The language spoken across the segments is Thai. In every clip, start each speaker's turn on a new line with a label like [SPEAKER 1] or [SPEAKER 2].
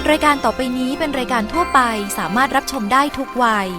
[SPEAKER 1] รายการต่อไปนี้เป็นรายการทั่วไปสามารถรับชมได้ทุกวัย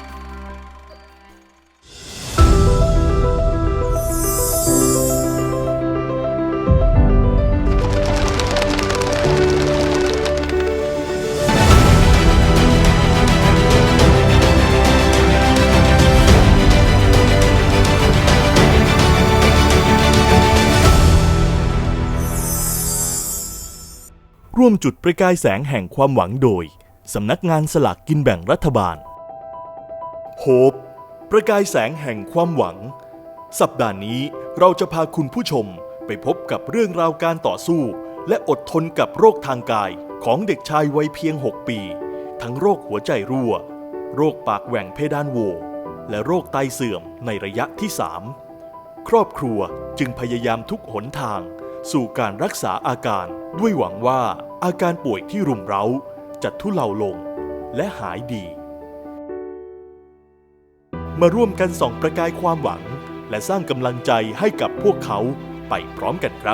[SPEAKER 2] ร่วมจุดประกายแสงแห่งความหวังโดยสำนักงานสลากกินแบ่งรัฐบาลโฮปประกายแสงแห่งความหวังสัปดาห์นี้เราจะพาคุณผู้ชมไปพบกับเรื่องราวการต่อสู้และอดทนกับโรคทางกายของเด็กชายวัยเพียง6 ปีทั้งโรคหัวใจรั่วโรคปากแหว่งเพดานโหวและโรคไตเสื่อมในระยะที่3ครอบครัวจึงพยายามทุกหนทางสู่การรักษาอาการด้วยหวังว่าอาการป่วยที่รุมเร้าจะทุเลาลงและหายดีมาร่วมกันส่องประกายความหวังและสร้างกำลังใจให้กับพวกเขาไปพร้อมกันครับ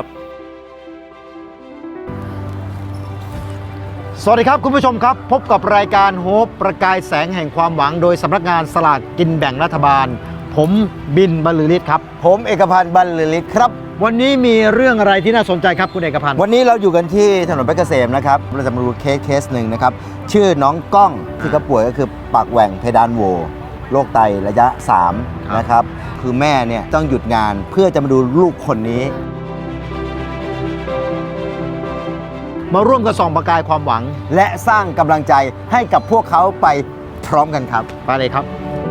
[SPEAKER 3] สวัสดีครับคุณผู้ชมครับพบกับรายการโฮปประกายแสงแห่งความหวังโดยสำนักงานสลากกินแบ่งรัฐบาลผมบินบรรลือฤทธิ์ครับ
[SPEAKER 4] ผมเอกพันธ์บรรลือฤทธิ์ครับ
[SPEAKER 3] วันนี้มีเรื่องอะไรที่น่าสนใจครับคุณเอกพันธ์
[SPEAKER 4] วันนี้เราอยู่กันที่ถนนเพชรเกษมนะครับเราจะมาดูเคสหนึ่งนะครับชื่อน้องก้องที่เขาป่วยก็คือปากแหว่งเพดานโหวโรคไตระยะ3นะครับคือแม่เนี่ยต้องหยุดงานเพื่อจะมาดูลูกคนนี้
[SPEAKER 3] มาร่วมกันส่องประกายความหวัง
[SPEAKER 4] และสร้างกำลังใจให้กับพวกเขาไปพร้อมกันครับ
[SPEAKER 3] ไปเลยครับ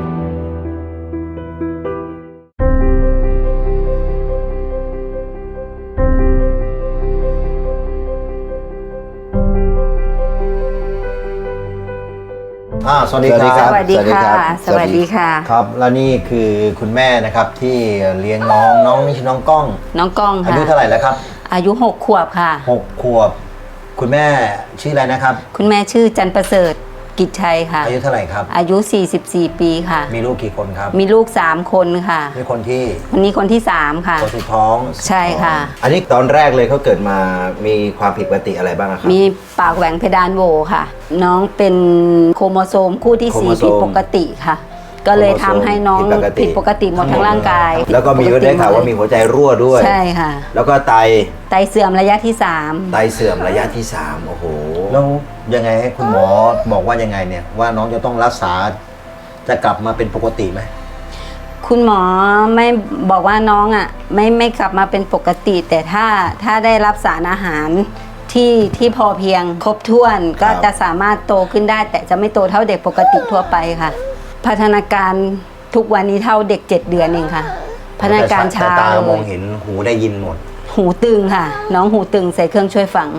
[SPEAKER 3] สวัสดีครับ
[SPEAKER 5] สวัสดีค่ะสวัสดีค่ะ
[SPEAKER 4] ครับแล้วนี่คือคุณแม่นะครับที่เลี้ยงน้องนี่ชื่อน้องก้องค่ะอายุเท่าไหร่แล้วครับ
[SPEAKER 5] อายุ6 ขวบค่ะ
[SPEAKER 4] 6 ขวบคุณแม่ชื่ออะไรนะครับ
[SPEAKER 5] คุณแม่ชื่อจันประเสริฐกิจชัยค่ะ
[SPEAKER 4] อายุเท่าไหร่ครับ
[SPEAKER 5] อายุ44 ปีค่ะ
[SPEAKER 4] มีลูกกี่คนครับ
[SPEAKER 5] มีลูก3 คนค่ะ
[SPEAKER 4] มีคนที่
[SPEAKER 5] วันนี้คนที่3ค่ะ
[SPEAKER 4] คนสุดท้อง
[SPEAKER 5] ใช่ค่ะ
[SPEAKER 4] อันนี้ตอนแรกเลยเขาเกิดมามีความผิดปกติอะไรบ้างครับ
[SPEAKER 5] มีปากแหว่งเพดานโหวค่ะน้องเป็นโครโมโซมคู่ที่4ผิดปกติค่ะก็เลยทำให้น้องผิดปกติหมดทั้งร่างกาย
[SPEAKER 4] แล้วก็มีได้ข่าวว่ามีหัวใจรั่วด้วย
[SPEAKER 5] ใช่ค่ะ
[SPEAKER 4] แล้วก็ไต
[SPEAKER 5] เสื่อมระยะที่3
[SPEAKER 4] ไตเสื่อมระยะที่3โอ้โหแล้วยังไงให้คุณหมอบอกว่ายังไงเนี่ยว่าน้องจะต้องรักษาจะกลับมาเป็นปกติไหม
[SPEAKER 5] คุณหมอไม่บอกว่าน้องไม่กลับมาเป็นปกติ แต่ถ้าได้รับสารอาหารที่พอเพียงครบถ้วนก็จะสามารถโตขึ้นได้แต่จะไม่โตเท่าเด็กปกติทั่วไปค่ะพัฒนาการทุกวันนี้เท่าเด็ก7 เดือนเองค่ะพัฒนาการช้า
[SPEAKER 4] ตามองเห็นหูได้ยินหมด
[SPEAKER 5] หูตึงค่ะน้องหูตึงใส่เครื่องช่วยฟัง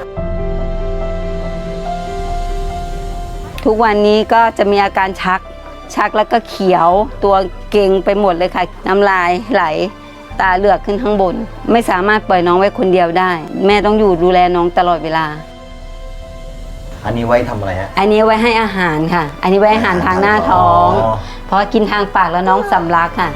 [SPEAKER 5] ทุกวันนี้ก็จะมีอาการชักแล้วก็เขียวตัวเกร็งไปหมดเลยค่ะน้ำลายไหลตาเหลือกขึ้นข้างบนไม่สามารถปล่อยน้องไว้คนเดียวได้แม่ต้องอยู่ดูแลน้องตลอดเวลา
[SPEAKER 4] อันนี้ไว้ทำอะไรฮะ
[SPEAKER 5] อันนี้ไว้ให้อาหารค่ะอันนี้ไว้อาหารทางหน้าท้องเพราะกินทางปากแล้วน้องสำลักค่ะ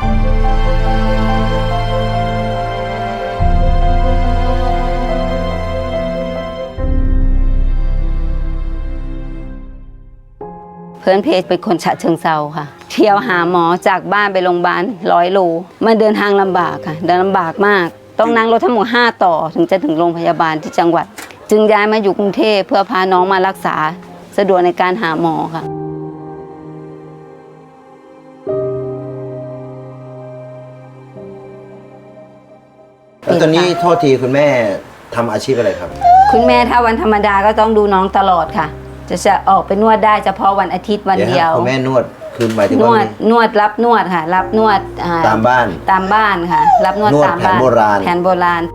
[SPEAKER 5] เพื่อนเพจเป็นคนฉะเชิงเทราค่ะเที่ยวหาหมอจากบ้านไปโรงพยาบาล100 โลมันเดินทางลำบากค่ะเดินลำบากมากต้องนั่งรถทั้งหมด5 ต่อถึงจะถึงโรงพยาบาลที่จังหวัดจึงย้ายมาอยู่กรุงเทพเพื่อพาน้องมารักษาสะดวกในการหาหมอค่ะ
[SPEAKER 4] แล้วตอนนี้โทษทีคุณแม่ทำอาชีพอะไรครับ
[SPEAKER 5] คุณแม่ถ้าวันธรรมดาก็ต้องดูน้องตลอดค่ะจะออกไปนวดได้เฉพาะวันอาทิตย์วันเดียว
[SPEAKER 4] คุณแม่นวดคือหมายถึงว่
[SPEAKER 5] านวดรับนวดค่ะรับนวด
[SPEAKER 4] ตามบ้าน
[SPEAKER 5] ค่ะรับนวดตามบ้านแผนโบราณ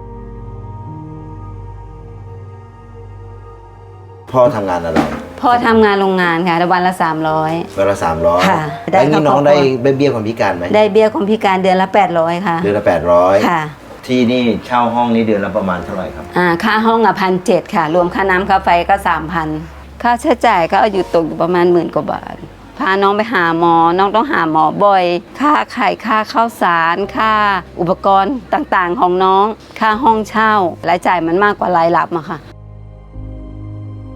[SPEAKER 4] พ่อทำงานอะไร
[SPEAKER 5] พ่อทำงานโรงงานค่ะวันละ300
[SPEAKER 4] วันละ300ค่ะแล้วนี่น้องได้เบี้ยคนพิการไหม
[SPEAKER 5] ได้เบี้ยคนพิการเดือนละ800ค่ะ
[SPEAKER 4] เดือนละ800
[SPEAKER 5] ค่ะ
[SPEAKER 4] ที่นี่เช่าห้องนี้เดือนละประมาณเท่าไหร่ครับ
[SPEAKER 5] ค่าห้อง1,700ค่ะรวมค่าน้ำค่าไฟก็ 3,000ค่าใช้จ่ายก็อยู่ตกอยู่ประมาณ10,000 กว่าบาทพาน้องไปหาหมอน้องต้องหาหมอบ่อยค่าไข่ค่าข้าวสารค่าอุปกรณ์ต่างๆของน้องค่าห้องเช่ารายจ่ายมันมากกว่ารายรับอะค่ะ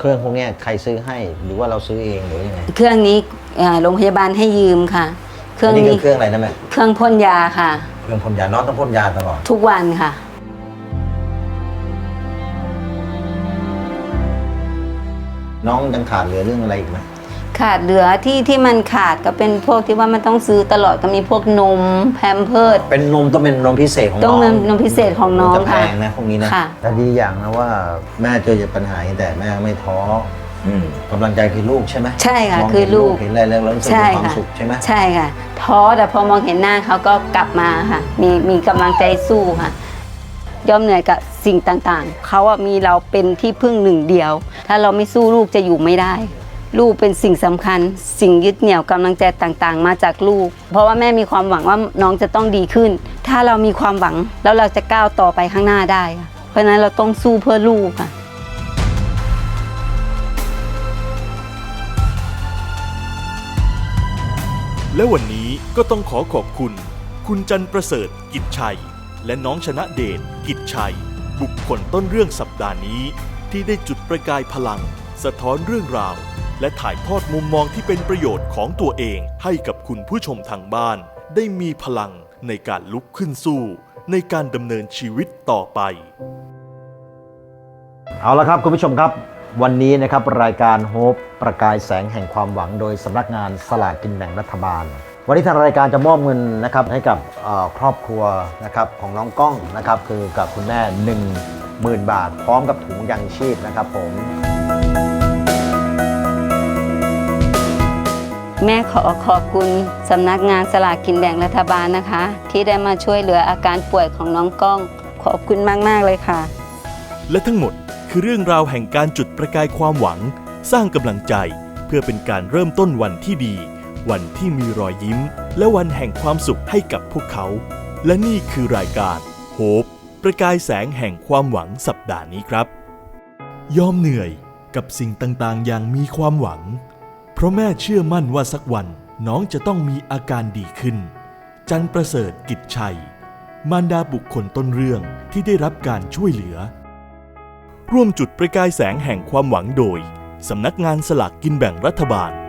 [SPEAKER 3] เครื่องพวกเนี้ยใครซื้อให้หรือว่าเราซื้อเองหรือยังไง
[SPEAKER 5] เครื่องนี้โรงพยาบาลให้ยืมค่ะ เครื่อง
[SPEAKER 4] อันนี้
[SPEAKER 5] นี้
[SPEAKER 4] คือเครื่องอะไรนะแม่
[SPEAKER 5] เครื่องพ่นยาค่ะ
[SPEAKER 4] เครื่องพ่นยาน้องต้องพ่นยาตลอด
[SPEAKER 5] ทุกวันค่ะ
[SPEAKER 4] น้องยังขาดเหลือเรื่องอะไรอีกไหม
[SPEAKER 5] ขาดเหลือที่มันขาดก็เป็นพวกที่ว่ามันต้องซื้อตลอดก็มีพวกนมแพมเพิร์ส
[SPEAKER 4] เป็นนมต้องเป็นนมพิเศษของน้อง
[SPEAKER 5] ต้องนมพิเศษของน้อง
[SPEAKER 4] จะแพ
[SPEAKER 5] ค่ะ
[SPEAKER 4] งนะพวกนี้นะ
[SPEAKER 5] ค่ะ
[SPEAKER 3] แต่ดีอย่างนะว่าแม่เจอปัญหาแต่แม่ไม่ท้อก
[SPEAKER 4] ำลังใจคือลูกใช่ไหม
[SPEAKER 5] ใช่ค่ะ
[SPEAKER 4] มง
[SPEAKER 5] คือ
[SPEAKER 4] เห็น
[SPEAKER 5] ลูก
[SPEAKER 4] เห็นอะไรแล้วรู้สึก
[SPEAKER 5] ใช่
[SPEAKER 4] มีความ
[SPEAKER 5] ค่ะ
[SPEAKER 4] สุขใช่ไหม
[SPEAKER 5] ใช่ค่ะท้อแต่พอมองเห็นหน้าเขาก็กลับมาค่ะ มีกำลังใจสู้ค่ะยอมเหนื่อยกับสิ่งต่างๆเขาอะมีเราเป็นที่พึ่งหนึ่งเดียว ถ้าเราไม่สู้ลูกจะอยู่ไม่ได้ ลูกเป็นสิ่งสำคัญ สิ่งยึดเหนี่ยวกำลังใจต่างๆ มาจากลูก เพราะว่าแม่มีความหวังว่าน้องจะต้องดีขึ้น ถ้าเรามีความหวังแล้วเราจะก้าวต่อไปข้างหน้าได้ค่ะเพราะฉะนั้นเราต้องสู้เพื่อลูกค่ะ
[SPEAKER 2] และวันนี้ก็ต้องขอขอบคุณ คุณจันประเสริฐกิจชัย และน้องชนะเดชกิจชัย บุคคลต้นเรื่องสัปดาห์นี้ ที่ได้จุดประกายพลัง สะท้อนเรื่องราว และถ่ายทอดมุมมองที่เป็นประโยชน์ของตัวเองให้กับคุณผู้ชมทางบ้าน ได้มีพลังในการลุกขึ้นสู้ ในการดำเนินชีวิตต่อไป
[SPEAKER 3] เอาละครับคุณผู้ชมครับวันนี้นะครับรายการโฮปประกายแสงแห่งความหวังโดยสำนักงานสลากกินแบ่งรัฐบาล วันนี้ทางรายการจะมอบเงินนะครับให้กับครอบครัวนะครับของน้องก้องนะครับคือกับคุณแม่ 10,000 บาท พร้อมกับถุงยังชีพนะครับผม
[SPEAKER 5] แม่ขอขอบคุณสำนักงานสลากกินแบ่งรัฐบาลนะคะ ที่ได้มาช่วยเหลืออาการป่วยของน้องก้อง ขอบคุณมากๆเลยค่ะ
[SPEAKER 2] และทั้งหมดคือเรื่องราวแห่งการจุดประกายความหวัง สร้างกำลังใจเพื่อเป็นการเริ่มต้นวันที่ดี วันที่มีรอยยิ้ม และวันแห่งความสุขให้กับพวกเขา และนี่คือรายการโฮปประกายแสงแห่งความหวังสัปดาห์นี้ครับ ยอมเหนื่อยกับสิ่งต่างๆอย่างมีความหวัง เพราะแม่เชื่อมั่นว่าสักวันน้องจะต้องมีอาการดีขึ้น จันประเสริฐกิจชัย มารดาบุคคลต้นเรื่องที่ได้รับการช่วยเหลือ ร่วมจุดประกายแสงแห่งความหวังโดยสำนักงานสลากกินแบ่งรัฐบาล